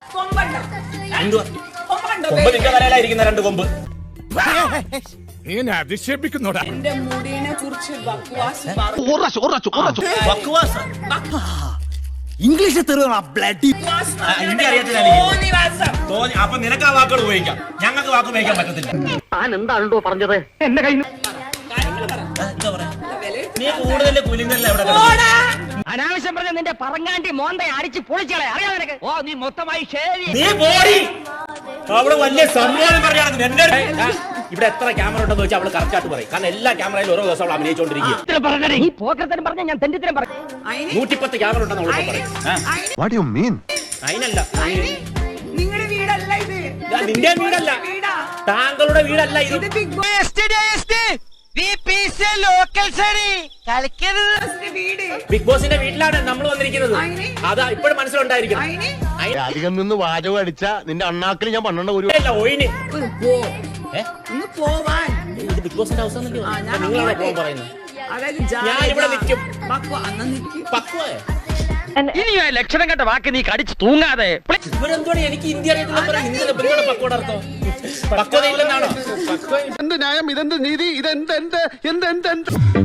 നിന്റെ തലയിലായിരിക്കുന്ന 2 കൊമ്പ്. നീ എന്നെ അധിക്ഷേപിക്കുന്നോടാ. എന്റെ മുടിനെ കുറിച്ച് ഇംഗ്ലീഷ് തെറിയാണോ ബ്ലഡി? ഹിന്ദി അറിയത്തില്ല. അപ്പൊ നിനക്ക് ആ വാക്കുകൾ ഉപയോഗിക്കാം, ഞങ്ങൾക്ക് വാക്ക് ഉപയോഗിക്കാൻ പറ്റത്തില്ല. എന്താണോ പറഞ്ഞത്? എന്റെ കയ്യിൽ എന്താ പറയാ, നീ കൂടുതൽ കുലിങ്ങല്ല എവിടെ അനാവശ്യം പറഞ്ഞ നിന്റെ പറങ്ങാണ്ടി മോന്തയെ അടിച്ച് പൊളിച്ചളെ അറിയാം നിനക്ക്. ഓ നീ മൊത്തമായി നീ പോടി. അവിടെ വലിയ സംഭവം പറഞ്ഞാണ് എന്റെ ഇവിടെ എത്ര ക്യാമറ ഉണ്ടെന്ന് വെച്ചാൽ അവള് കറക്റ്റ് ആയിട്ട് പറയും. കാരണം എല്ലാ ക്യാമറയിലും ഓരോ ദിവസം അവൾ അഭിനയിച്ചോണ്ടിരിക്കുക. ഈ പോക്കരത്തരം പറഞ്ഞ ഞാൻ തെണ്ടിത്തരം പറഞ്ഞു. 110 ക്യാമറ ഉണ്ടെന്ന് അവളോട് പറയും. അതിനല്ല, നിങ്ങളുടെ വീടല്ല ഇത്, നിന്റെ വീടല്ല, താങ്കളുടെ വീടല്ല ഇത്. ബിഗ് ബോസിന്റെ വീട്ടിലാണ് നമ്മൾ വന്നിരിക്കുന്നത്. അതാ ഇപ്പോഴും മനസ്സിലുണ്ടായിരിക്കും. അധികം നിന്ന് വാചകം അടിച്ച നിന്റെ അണ്ണാക്കിൽ ഞാൻ പന്ത്രണ്ട് ഒരു ഒയിന് ഒന്ന് പോവാൻ. ഇത് ബിഗ് ബോസിന്റെ ഹൗസ് നിങ്ങളാണ് പോകാൻ പറയുന്നത്. ഞാൻ ഇവിടെ നിൽക്കും. പക്വേ ഇനി ലക്ഷണം കണ്ട വാക്ക് നീ കടിച്ചു തൂങ്ങാതെ. ഇവരെന്തോടെ എനിക്ക് ഹിന്ദി അറിയത്തില്ല. ഹിന്ദിയുടെ പക്വയുടെ അർത്ഥം പക്വത ഇല്ലെന്നാണോ? എന്ത് ന്യായം, ഇതെന്ത് നീതി, ഇതെന്ത്